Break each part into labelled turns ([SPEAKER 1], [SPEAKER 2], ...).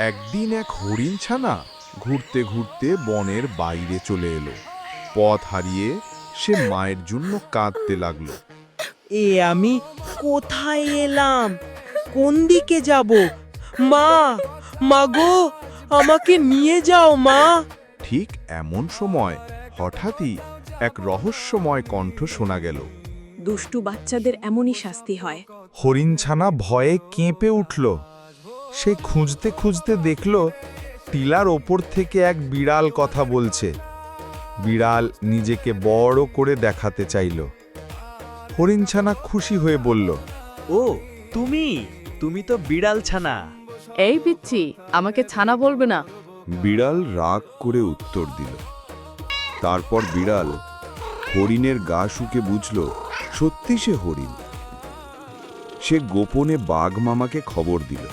[SPEAKER 1] একদিন এক হরিণ ছানা ঘুরতে ঘুরতে বনের বাইরে চলে এলো। পথ হারিয়ে সে মায়ের জন্য কাঁদতে লাগলো।
[SPEAKER 2] আমি কোথায় এলাম? কোন দিকে যাব? মা, মাগো, আমাকে নিয়ে যাও মা।
[SPEAKER 1] ঠিক এমন সময় হঠাৎই এক রহস্যময় কণ্ঠ শোনা গেল।
[SPEAKER 3] দুষ্টু বাচ্চাদের এমনই শাস্তি হয়।
[SPEAKER 4] হরিণছানা ভয়ে কেঁপে উঠল। সে খুঁজতে খুঁজতে দেখল টিলার ওপর থেকে এক বিড়াল কথা বলছে। বিড়াল নিজেকে বড় করে দেখাতে চাইল। হরিণছানা খুশি হয়ে বলল,
[SPEAKER 5] ও তুমি তো বিড়াল ছানা।
[SPEAKER 6] এই পিচ্ছি, আমাকে ছানা বলবে না।
[SPEAKER 1] বিড়াল রাগ করে উত্তর দিল। তারপর বিড়াল হরিণের গা শুকে বুঝল সত্যি সে হরিণ। সে গোপনে বাঘ মামাকে খবর দিল।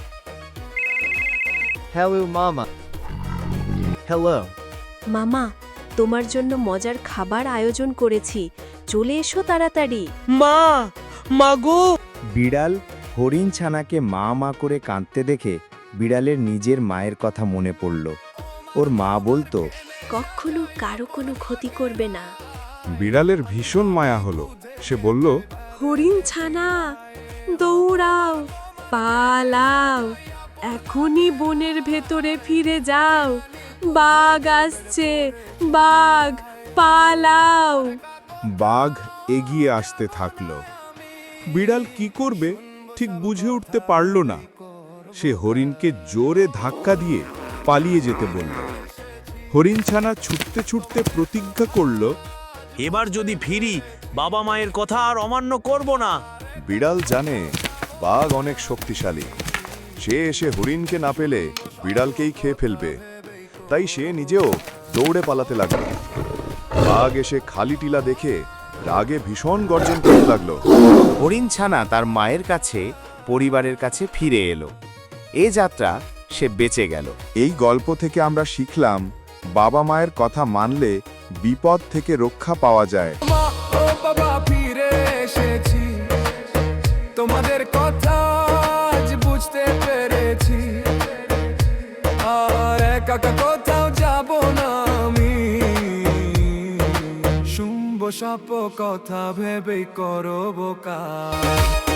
[SPEAKER 5] হ্যালো মামা। হ্যালো।
[SPEAKER 3] মামা, তোমার জন্য মজার খাবার আয়োজন করেছি, চলে এসো তাড়াতাড়ি।
[SPEAKER 2] মা, মাগো।
[SPEAKER 7] বিড়াল হরিণ ছানাকে মা মা করে কাঁদতে দেখে বিড়ালের নিজের মায়ের কথা মনে পড়ল। ওর মা বলতো,
[SPEAKER 3] কখনো কারো কোনো ক্ষতি করবে না।
[SPEAKER 1] বিড়ালের ভীষণ মায়া হলো। সে বলল,
[SPEAKER 3] হরিণ ছানা, দৌড়াও, পালাও, এখনই বনের ভেতরে ফিরে যাও। বাঘ আসছে, বাঘ, পালাও।
[SPEAKER 1] বাঘ এগিয়ে আসতে থাকল। বিড়াল কি করবে ঠিক বুঝে উঠতে পারল না। সে হরিণকে জোরে ধাক্কা দিয়ে পালিয়ে যেতে বলল। হরিণ ছানা ছুটতে ছুটতে প্রতিজ্ঞা করল,
[SPEAKER 5] এবার যদি ফিরি বাবা মায়ের কথা আর অমান্য করব না।
[SPEAKER 1] বিড়াল জানে বাঘ অনেক শক্তিশালী। সে এসে হরিণকে না পেলে বিড়ালকেই খেয়ে ফেলবে। তাই সে নিজেও দৌড়ে পালাতে লাগলো। বাঘ এসে খালি টিলা দেখে রাগে ভীষণ গর্জন করতে লাগলো।
[SPEAKER 7] হরিণ ছানা তার মায়ের কাছে, পরিবারের কাছে ফিরে এলো। এ যাত্রা সে বেঁচে গেল।
[SPEAKER 1] এই গল্প থেকে আমরা শিখলাম বাবা মায়ের কথা মানলে বিপদ থেকে রক্ষা পাওয়া যায়।
[SPEAKER 8] ও বাবা, ফিরে এসেছি, তোমাদের কথা আজ বুঝতে পেরেছি। আর একা কোথাও যাব না আমি, শুনবো সব কথা ভেবেই করবো কাজ।